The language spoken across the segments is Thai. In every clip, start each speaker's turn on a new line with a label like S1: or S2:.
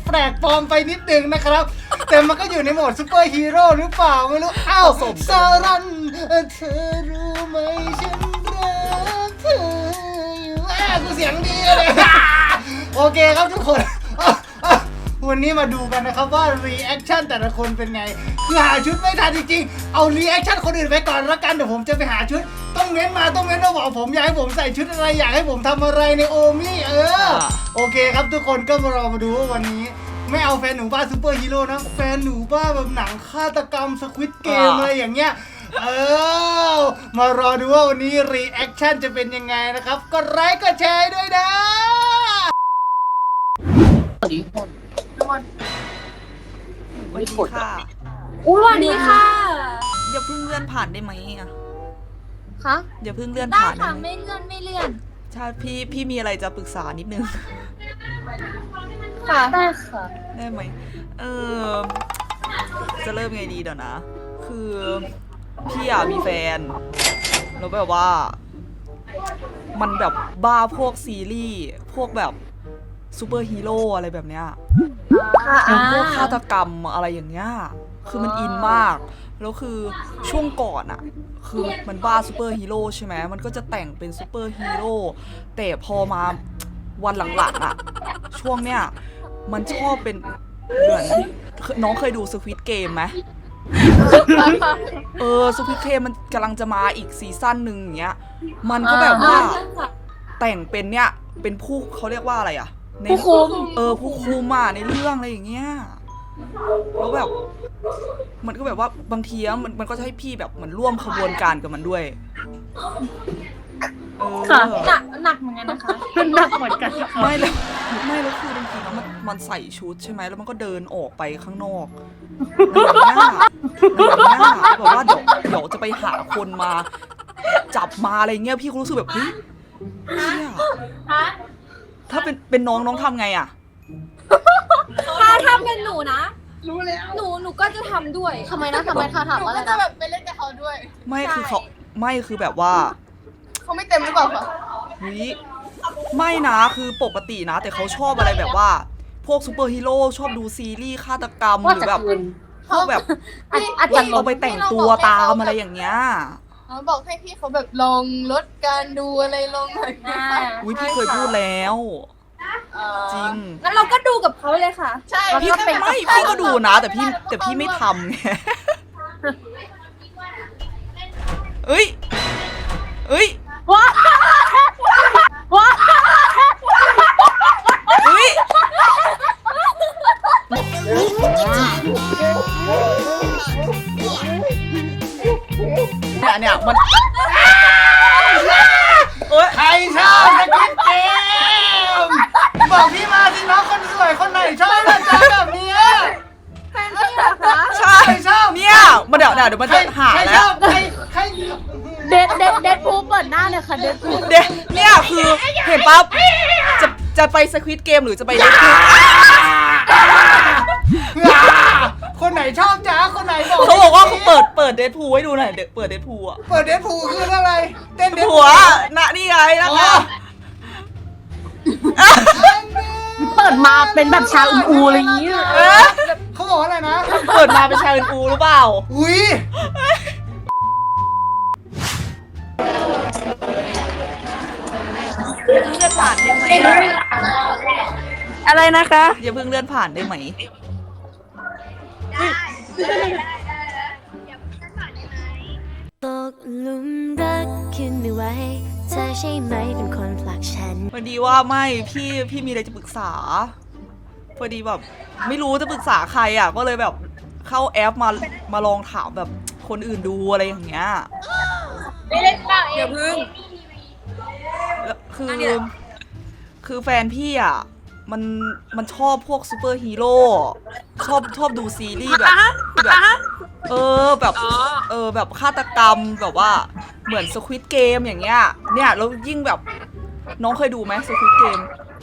S1: แปลกปลอมไปนิดนึงนะครับแต่มันก็อยู่ในโหมดซูเปอร์ฮีโร่หรือเปล่าไม่รู้อ้าวซารันเธอรู้ไหมฉันรักเธออยู่กูเสียงดีเลยโอเคครับทุกคนวันนี้มาดูกันนะครับว่ารีแอคชั่นแต่ละคนเป็นไงคือหาชุดไม่ทันจริงๆเอารีแอคชั่นคนอื่นไปก่อนละกันเดี๋ยวผมจะไปหาชุดต้องเม้นมาบอกผมอยากให้ผมใส่ชุดอะไรอยากให้ผมทำอะไรในโอมี่โอเคครับทุกคนก็มารอมาดูว่าวันนี้ไม่เอาแฟนหนูบ้าซูเปอร์ฮีโร่นะแฟนหนูบ้าแบบหนังฆาตกรรมสควิดเกมอะไรอย่างเงี้ยมารอดูว่าวันนี้รีแอคชั่นจะเป็นยังไงนะครับกดไลค์กดแชร์ด้วยนะ
S2: สวัสดีค่ะ
S3: สวัสดีค่ะ
S2: อย่าเพิ่งเลื่อนผ่านได้ไหมอ่ะ
S3: คะ
S2: อย่าเพิ่งเลื่อน
S3: ได้
S2: ผ่าน
S3: ค่ะ
S2: ได้ไหม
S3: ไม่เลื่อน
S2: ใช่พี่มีอะไรจะปรึกษานิดนึง
S3: ค่ะได้ค่ะ
S2: ได้ไหมจะเริ่มไงดีเดี๋ยวนะ คือพี่อะมีแฟนแล้วแบบว่า มันแบบบ้าพวกซีรีส์พวกแบบซูเปอร์ฮีโร่อะไรแบบเนี้ยพวกฆาตกรรมอะไรอย่างเงี้ยคือมันอินมากแล้วคือช่วงก่อนอะคือมันบ้าซูเปอร์ฮีโร่ใช่ไหมมันก็จะแต่งเป็นซูเปอร์ฮีโร่แต่พอมาวันหลังๆอะช่วงเนี้ยมันชอบเป็นเหมือนน้องเคยดูสควิดเกมไหมสควิดเกมมันกำลังจะมาอีกซีซั่นหนึ่งอย่างเงี้ยมันก็แบบว่าแต่งเป็นเนี่ยเป็นผู้เขาเรียกว่าอะไรอะ
S3: ผู้คุม
S2: ผู้คุมอ่ะในเรื่องอะไรอย่างเงี้ยแล้วแบบมันก็แบบว่าบางทีมันก็จะให้พี่แบบเหมือนร่วมขบวนการกับมันด้วย
S3: ค่ะหนักเหมือนกันนะคะหนักเหมือนกัน
S2: ไม่แล้วคือบางทีแล้วมันใส่ชุดใช่ไหมแล้วมันก็เดินออกไปข้างนอกอย่างเงี้ยแบบว่าเดี๋ยวจะไปหาคนมาจับมาอะไรเงี้ยพี่ก็รู้สึกแบบเฮ้ยถ้าเป็นน้องทำไงอ่ะ
S3: ถ้าเป็นหนูนะรู้แล้วหนูก็จะทำด้วยทำไมค่ะถามว่าอะไรนะแบบไปเล่นกับเขาด้วย
S2: ไม่คือเขาไม่คือแบบว่า
S3: เขาไม่เต็มหรือเปล่าคะ
S2: ไม่นะคือปกตินะแต่เขาชอบอะไรแบบว่าพวกซูเปอร์ฮีโร่ชอบดูซีรีส์ฆาตกรรมหรือแบบพวกแบบเอาไปแต่งตัวตามอะไรอย่างเงี้ย
S3: บอกให้พี่เขาแบบลองลดการดูอะไรลงหน่อย
S2: พี่เคยพูดแล้วจริง
S3: งั้นเราก็ดูกับเขาเลยค่ะใช่
S2: พี่ก็ดูนะแต่พี่ไม่ทำไงเอ้ยว้าเฮ้ยเนี่ยมัน
S1: ใครชอบสควิดเกมบอกพี่มาสิน้องคนสวยคนไหนชอบนะจ๊ะแบบนี้
S3: แฟนพี่เหรอคะ
S2: ใช่ชอบเนี่ยมาเดี๋ยวมันจะหาแล้ว
S1: ใคร
S3: เด็ดพูเปิดหน้าเลยค่ะเด็ดพู
S2: เนี่ยคือเห็นปั๊บจะไปสควิดเกมหรือจะไปเด็ดพู
S1: คนไหนชอบจ๊ะคนไหนบอก
S2: เขาบอกว่าเขาเปิดเดดพูให้ดูหน่อยเปิดเดดพูอ่ะ
S1: เปิดเดดพูคืออะไรเต้นเดด
S2: พูน่ะนี่ไงนะคะ
S3: เปิดมาเป็นแบบชาอูอะไรอย่างงี้
S1: เขาบอกอะไรนะ
S2: เปิดมาเป็นชาอูหรือเปล่า
S1: อุ้ย
S2: เลื่อนผ่านได้ไหม
S3: อะไรนะคะ
S2: อย่าเพิ่งเลื่อนผ่านได้ไหม
S4: ตกหลุมรักขึ้นไม่ไหวเธอใช่ไหมเป็นคนผลักฉัน
S2: พอดีว่าไม่พี่มีอะไรจะปรึกษาพอดีแบบไม่รู้จะปรึกษาใครอ่ะก็เลยแบบเข้าแอปมาลองถามแบบคนอื่นดูอะไรอย่างเงี้ย
S3: ไม่เล่นเปล่าอย่าพึ่ง
S2: คือแฟนพี่อ่ะมันชอบพวกซูเปอร์ฮีโร่ชอบดูซีรีส์แบบแบบฆาตกรรมแบบว่าเหมือนสควิดเกมอย่างเงี้ยเนี่ยแล้วยิ่งแบบน้องเคยดูไหมสควิดเกม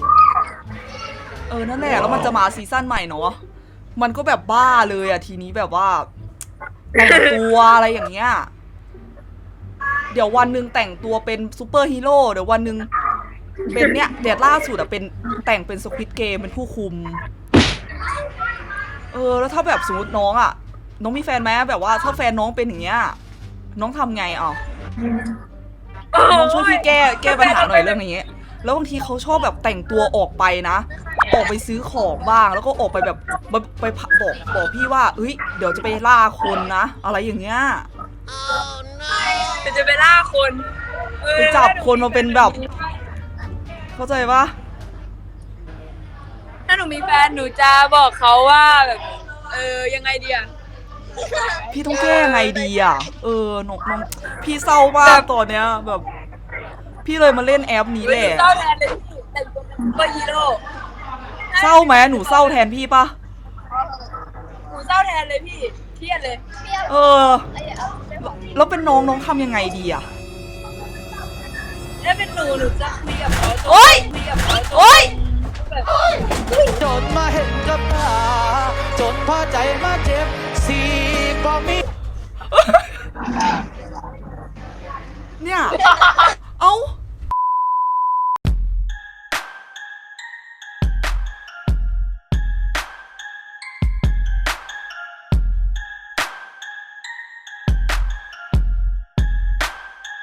S2: นั่นแหละแล้วมันจะมาซีซั่นใหม่เนาะมันก็แบบบ้าเลยอ่ะทีนี้แบบว่าแต่งตัวอะไรอย่างเงี้ยเดี๋ยววันหนึ่งแต่งตัวเป็นซูเปอร์ฮีโร่เดี๋ยววันหนึ่งเป็นเนี่ยเดี๋ยวล่าสุดอะเป็นแต่งเป็นสควิดเกมเป็นผู้คุมแล้วถ้าแบบสมมติน้องอ่ะน้องมีแฟนไหมแบบว่าถ้าแฟนน้องเป็นอย่างเงี้ยน้องทำไงอ่ะน้องช่วยพี่แก้ปัญหาหน่อยเรื่องนี้แล้วบางทีเขาชอบแบบแต่งตัวออกไปนะออกไปซื้อของบ้างแล้วก็ออกไปแบบไปบอกพี่ว่าเฮ้ยเดี๋ยวจะไปล่าคนนะอะไรอย่างเงี้ย
S3: จะไปล่าคน
S2: ไปจับคนมาเป็นแบบเข้าใจปะ
S3: ถ้าหนูมีแฟนหนูจะบอกเขาว่าแบบยังไงดีอะ
S2: พี่ต้องแก้ยังไงดีอ่ะน้องพี่เศร้ามากตอนเนี้ยแบบ พี่เลยมาเล่นแอปนี้แหละ
S3: เศร้าแทนเลยพี่แต่งตัวเป็นซุปเปอร์ฮีโร่
S2: เศร้าไหมหนูเศร้าแทนพี่ปะ
S3: หนูเศร้าแทนเลยพี่เครียดเลย
S2: แล้วเป็นน้องทำยังไงดีอ่ะ
S3: ถ้าเป็นหนูจะคุยกับเขา
S2: โอ๊ย
S3: คุยกับเขา
S2: โอ๊ย
S3: แบบ
S5: จนมาเห็นกับตาจนพอใจมาเจ็บสีบ่มี
S2: เนี่ย เอ้า